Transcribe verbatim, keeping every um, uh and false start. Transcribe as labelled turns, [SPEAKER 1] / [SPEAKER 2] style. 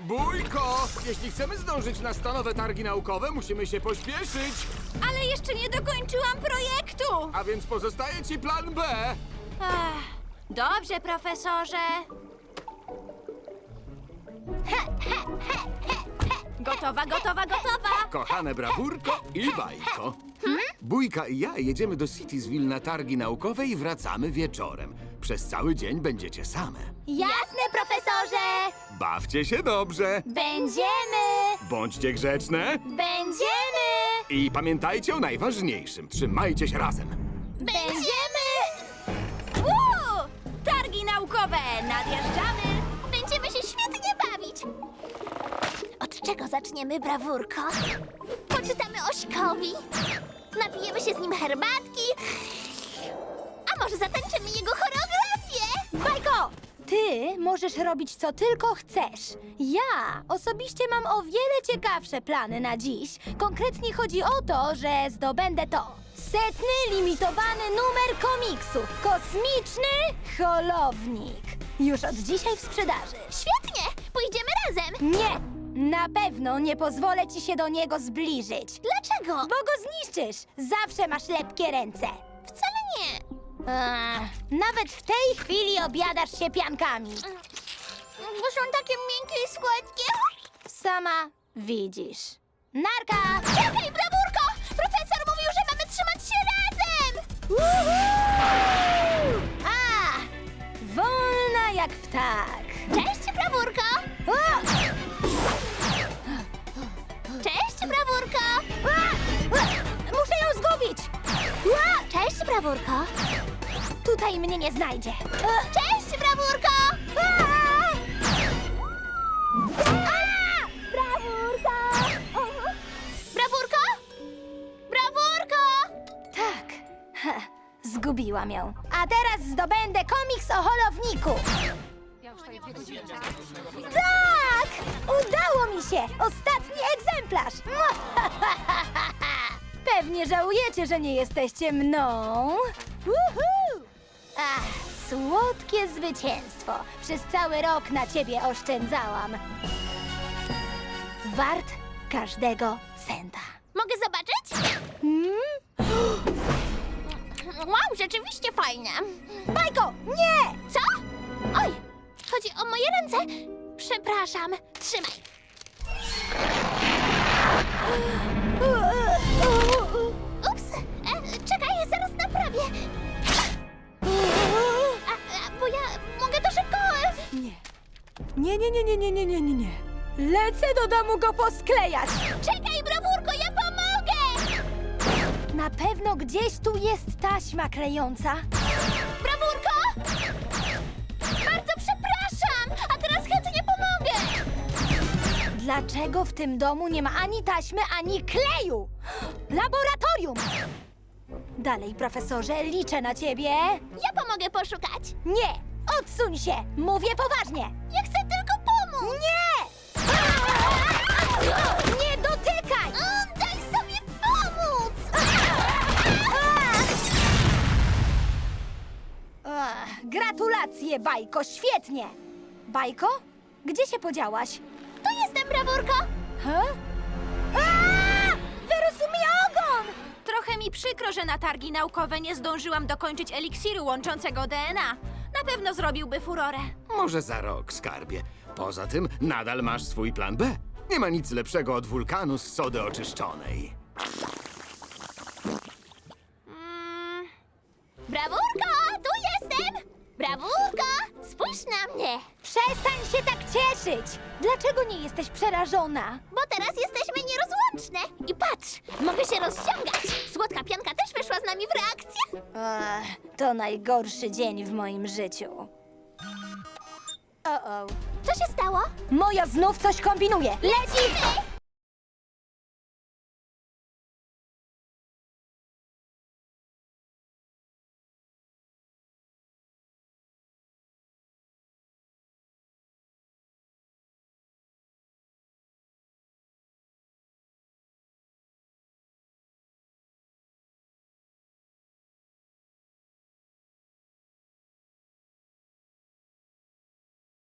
[SPEAKER 1] Bójko! Jeśli chcemy zdążyć na stanowe targi naukowe, musimy się pośpieszyć.
[SPEAKER 2] Ale jeszcze nie dokończyłam projektu!
[SPEAKER 1] A więc pozostaje ci plan B.
[SPEAKER 2] Ach, dobrze, profesorze. Gotowa, gotowa, gotowa!
[SPEAKER 1] Kochane brawurko i bajko. Bójka i ja jedziemy do Citysville na targi naukowe i wracamy wieczorem. Przez cały dzień będziecie same.
[SPEAKER 2] Jasne, profesorze!
[SPEAKER 1] Bawcie się dobrze.
[SPEAKER 2] Będziemy!
[SPEAKER 1] Bądźcie grzeczne.
[SPEAKER 2] Będziemy!
[SPEAKER 1] I pamiętajcie o najważniejszym. Trzymajcie się razem.
[SPEAKER 2] Będziemy! Uuu! Targi naukowe! Nadjeżdżamy!
[SPEAKER 3] Będziemy się świetnie bawić. Od czego zaczniemy, brawurko? Poczytamy Ośkowi. Napijemy się z nim herbatki. A może zatańczymy jego choreografię?
[SPEAKER 4] Bajko! Ty możesz robić co tylko chcesz. Ja osobiście mam o wiele ciekawsze plany na dziś. Konkretnie chodzi o to, że zdobędę to. Setny limitowany numer komiksu. Kosmiczny holownik. Już od dzisiaj w sprzedaży.
[SPEAKER 3] Świetnie! Pójdziemy razem.
[SPEAKER 4] Nie! Na pewno nie pozwolę ci się do niego zbliżyć.
[SPEAKER 3] Dlaczego?
[SPEAKER 4] Bo go zniszczysz. Zawsze masz lepkie ręce.
[SPEAKER 3] Wcale nie.
[SPEAKER 4] Ech, nawet w tej chwili obiadasz się piankami.
[SPEAKER 3] Bo są takie miękkie i słodkie.
[SPEAKER 4] Sama widzisz. Narka!
[SPEAKER 3] Czekaj, brawurko! Profesor mówił, że mamy trzymać się razem!
[SPEAKER 4] A! Wolna jak ptak.
[SPEAKER 3] Cześć, brawurko!
[SPEAKER 4] O!
[SPEAKER 3] Cześć, brawurko!
[SPEAKER 4] A! A! Muszę ją zgubić! A!
[SPEAKER 3] Cześć, brawurko!
[SPEAKER 4] Tutaj mnie nie znajdzie. A!
[SPEAKER 3] Cześć, brawurko!
[SPEAKER 4] A! A! Brawurka!
[SPEAKER 3] Brawurko? Brawurko!
[SPEAKER 4] Tak. Ha, zgubiłam ją. A teraz zdobędę komiks o holowniku. Tak! Udało mi się! Ostatni egzemplarz! Pewnie żałujecie, że nie jesteście mną. Uhu! Ach, słodkie zwycięstwo. Przez cały rok na ciebie oszczędzałam. Wart każdego centa.
[SPEAKER 3] Mogę zobaczyć?
[SPEAKER 4] Hmm?
[SPEAKER 3] Wow, rzeczywiście fajne.
[SPEAKER 4] Bajko, nie!
[SPEAKER 3] Co? Oj, chodzi o moje ręce. Przepraszam. Trzymaj. Ups, e, czekaj, zaraz naprawię. A, a, bo ja mogę to szybko... e,
[SPEAKER 4] Nie. Nie, nie, nie, nie, nie, nie, nie, nie, nie. Lecę do domu go posklejać.
[SPEAKER 3] Czekaj, brawurko, ja pomogę!
[SPEAKER 4] Na pewno gdzieś tu jest taśma klejąca.
[SPEAKER 3] Brawurko! Bardzo przepraszam, a teraz chętnie pomogę.
[SPEAKER 4] Dlaczego w tym domu nie ma ani taśmy, ani kleju? Laboratorium! Dalej, profesorze, liczę na ciebie.
[SPEAKER 3] Ja pomogę poszukać.
[SPEAKER 4] Nie! Odsuń się! Mówię poważnie!
[SPEAKER 3] Ja chcę tylko pomóc.
[SPEAKER 4] Nie! Nie dotykaj!
[SPEAKER 3] O, daj sobie pomóc!
[SPEAKER 4] Ach, gratulacje, Bajko, świetnie! Bajko? Gdzie się podziałaś?
[SPEAKER 3] Tu jestem, brawurko.
[SPEAKER 4] Ha? Aaa! Wyrósł mi ogon!
[SPEAKER 2] Trochę mi przykro, że na targi naukowe nie zdążyłam dokończyć eliksiru łączącego D N A. Na pewno zrobiłby furorę.
[SPEAKER 1] Może za rok, skarbie. Poza tym nadal masz swój plan B. Nie ma nic lepszego od wulkanu z sody oczyszczonej.
[SPEAKER 2] Mm,
[SPEAKER 3] Brawurko, tu jestem. Brawurko, spójrz na mnie.
[SPEAKER 4] Przestań się tak cieszyć! Dlaczego nie jesteś przerażona?
[SPEAKER 3] Bo teraz jesteśmy nierozłączne. I patrz, mogę się rozciągać. Słodka pianka też weszła z nami w reakcję.
[SPEAKER 4] Ach, to najgorszy dzień w moim życiu. O-o.
[SPEAKER 3] Co się stało?
[SPEAKER 4] Moja znów coś kombinuje. Leci!
[SPEAKER 3] Ty!